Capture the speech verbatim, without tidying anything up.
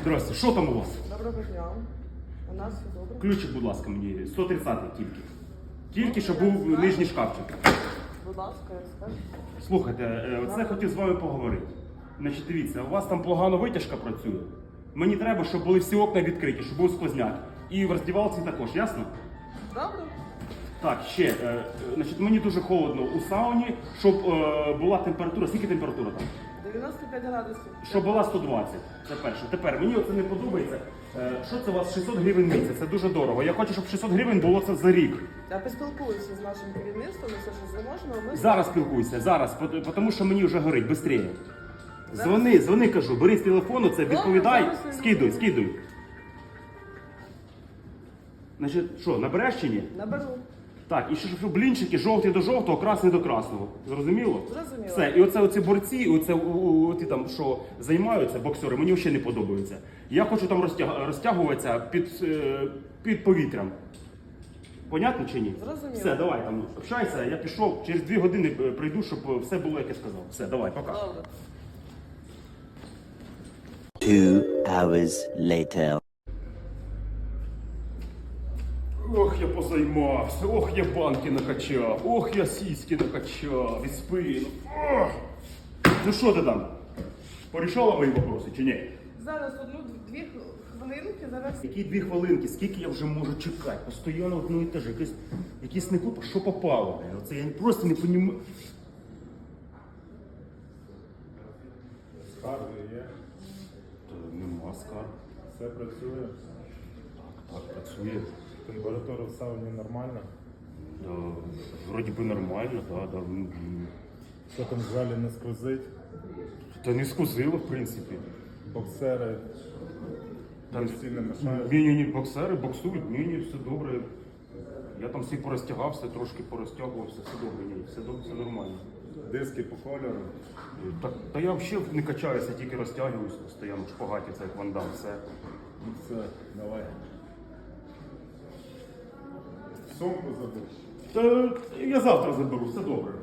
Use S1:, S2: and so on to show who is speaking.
S1: Здрасте, що там у вас?
S2: Доброго дня. У нас все добре.
S1: Ключик, будь ласка, мені. сто тридцятий тільки. Тільки, щоб був нижній шкафчик.
S2: Будь ласка, я скажу.
S1: Слухайте, е, оце хотів з вами поговорити. Значить, дивіться, у вас там погано витяжка працює. Мені треба, щоб були всі окна відкриті, щоб був сквозняк. І в роздівалці також, ясно?
S2: Добре.
S1: Так, ще, е, е, значить, мені дуже холодно у сауні, щоб е, була температура. Скільки температура там?
S2: дев'яносто п'ять градусів.
S1: Щоб була сто двадцять. Це перше. Тепер мені оце не подобається. Е, що це у вас шістсот гривень місяць? Це дуже дорого. Я хочу, щоб шістсот гривень було це за рік.
S2: Я поспілкуюся з нашим керівництвом, і все, що зможемо, ми...
S1: Зараз спілкуйся, зараз, пот- тому що мені вже горить, швидше. Дзвони, дзвони, кажу, бери з телефону, це відповідай,
S2: зараз я
S1: скидуй,
S2: візьму.
S1: скидуй. Значить, що, набереш чи ні?
S2: Наберу.
S1: Так, і ще щоб блінчики жовті до жовтого, красний до красного. Зрозуміло?
S2: Зрозуміло.
S1: Все, і оце оці борці, оце ті там, що займаються, боксери, мені взагалі не подобаються. Я хочу там розтяг... розтягуватися під, е, під повітрям. Понятно чи ні?
S2: Зрозуміло.
S1: Все, давай там, общайся, я пішов, через дві години прийду, щоб все було, як я сказав. Все, давай, пока.
S2: Добре.
S3: Two hours later.
S1: Ох, я позаймався, ох, я банки накачав, ох, я сіськи накачав, і спину. Ох. Ну що ти там? Порішала мої вопроси чи ні?
S2: Зараз одну-дві хвилинки, зараз...
S1: Які дві хвилинки, скільки я вже можу чекати? Постоянно одно і те ж, якесь, якісь не купа, що попало. блін. Оце я просто не розумію.
S4: Скарги є,
S1: Та нема скарг.
S4: все працює,
S1: Так, працює.
S4: температура в сауні нормальна.
S1: Да, вроді би нормально, да, да. м, м.
S4: Що там в залі не скрозить,
S1: Та не скузило, в принципі.
S4: боксери
S1: Там
S4: постійно мешають.
S1: Ні, ні, ні, боксери боксують, ні, ні, все добре. Я там всі порозтягався, трошки порозтягувався, все добре, ні, все добре, все нормально.
S4: Диски по кольору.
S1: Так, та я взагалі не качаюся, тільки розтягуюся постійно в шпагаті, це як вандам, все.
S4: Ну все, давай. Сумку забудь.
S1: Та я завтра заберу, все добре.